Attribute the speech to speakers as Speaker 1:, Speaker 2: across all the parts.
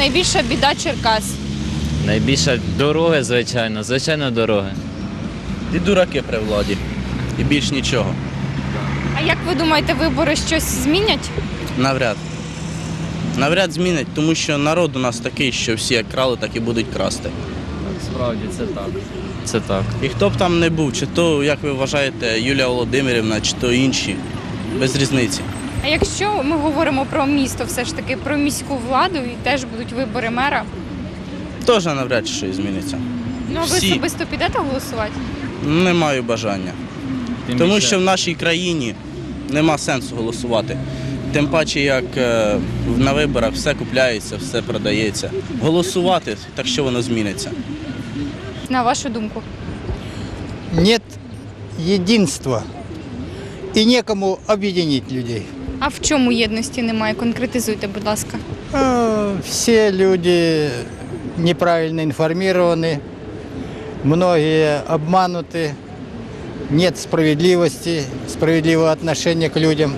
Speaker 1: найбільша біда Черкас?
Speaker 2: Найбільше дороги, звичайно, дороги.
Speaker 3: І дураки при владі. І більш нічого.
Speaker 1: А як ви думаєте, вибори щось змінять?
Speaker 3: Навряд. Навряд змінять, тому що народ у нас такий, що всі як крали, так і будуть красти.
Speaker 2: Справді, це так. Це так.
Speaker 3: І хто б там не був, чи то, як ви вважаєте, Юлія Володимирівна, чи то інші, без різниці.
Speaker 1: А якщо ми говоримо про місто, все ж таки про міську владу і теж будуть вибори мера,
Speaker 3: Теж навряд чи щось зміниться.
Speaker 1: ну а ви
Speaker 3: Всі.
Speaker 1: особисто підете голосувати?
Speaker 3: Не маю бажання.
Speaker 2: Тим
Speaker 3: Тому
Speaker 2: більше-
Speaker 3: що в нашій країні нема сенсу голосувати. Тим паче, як на виборах все купляється, все продається. Голосувати, так що воно зміниться.
Speaker 1: На вашу думку?
Speaker 4: Нет единства и некому объединить людей.
Speaker 1: А в чому єдності немає? Конкретизуйте, будь ласка.
Speaker 4: Все люди неправильно информированы, многие обмануты, нет справедливости, справедливого отношения к людям.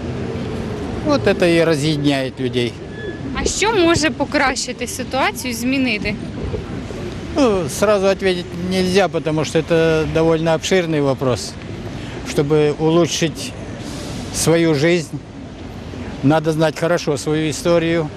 Speaker 4: Вот это и разъединяет людей.
Speaker 1: А що може покращити ситуацію, змінити?
Speaker 4: Сразу ответить нельзя, потому что это довольно обширный вопрос. Чтобы улучшить свою жизнь, надо знать хорошо свою историю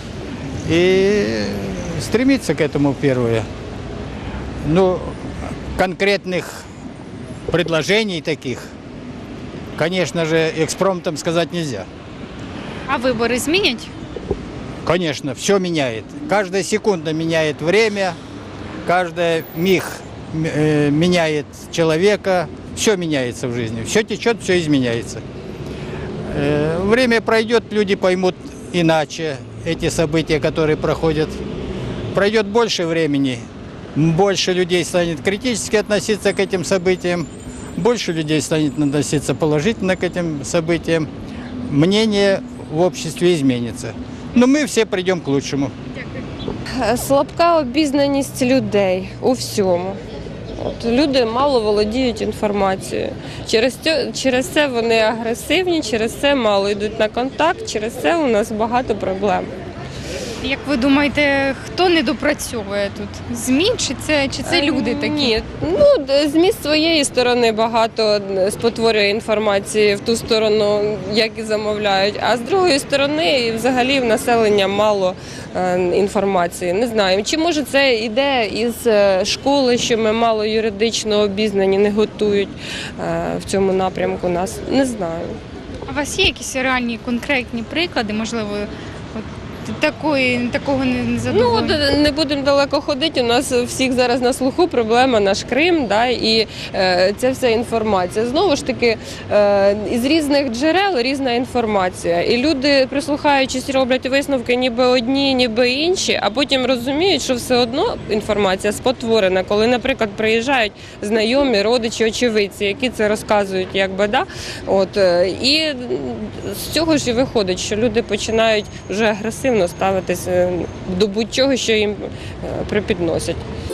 Speaker 4: и стремиться к этому первое. Ну, конкретных предложений таких, конечно же, экспромтом сказать нельзя.
Speaker 1: А вибори змінять?
Speaker 4: Конечно, все меняет. Каждая секунда меняет время, каждая миг меняет человека. Все меняется в жизни. Все течет, все изменяется. Время пройдет, люди поймут иначе эти события, которые проходят. Пройдет больше времени, больше людей станет критически относиться к этим событиям, больше людей станет относиться положительно к этим событиям. Мнение в обществе изменится. Но мы все придем к лучшему.
Speaker 5: Слабка обізнаність людей у всьому. Люди мало володіють інформацією. Через це вони агресивні, через це мало йдуть на контакт, через це у нас багато проблем.
Speaker 1: Як ви думаєте, хто не допрацьовує тут? ЗМІ чи це люди такі?
Speaker 5: Ні, ЗМІ з своєї сторони багато спотворює інформації в ту сторону, як і замовляють, а з другої сторони взагалі в населення мало інформації. Не знаю, чи може це йде із школи, що ми мало юридично обізнані, не готують в цьому напрямку нас. Не знаю.
Speaker 1: А у вас є якісь реальні конкретні приклади, можливо, такого не задоволення?
Speaker 5: Не будемо далеко ходити, у нас всіх зараз на слуху проблема наш Крим, і ця вся інформація. Знову ж таки, із різних джерел різна інформація. І люди, прислухаючись, роблять висновки ніби одні, ніби інші, а потім розуміють, що все одно інформація спотворена. Коли, наприклад, приїжджають знайомі, родичі, очевидці, які це розказують, і з цього ж і виходить, що люди починають вже агресивно ставитися до будь-чого, що їм припідносять.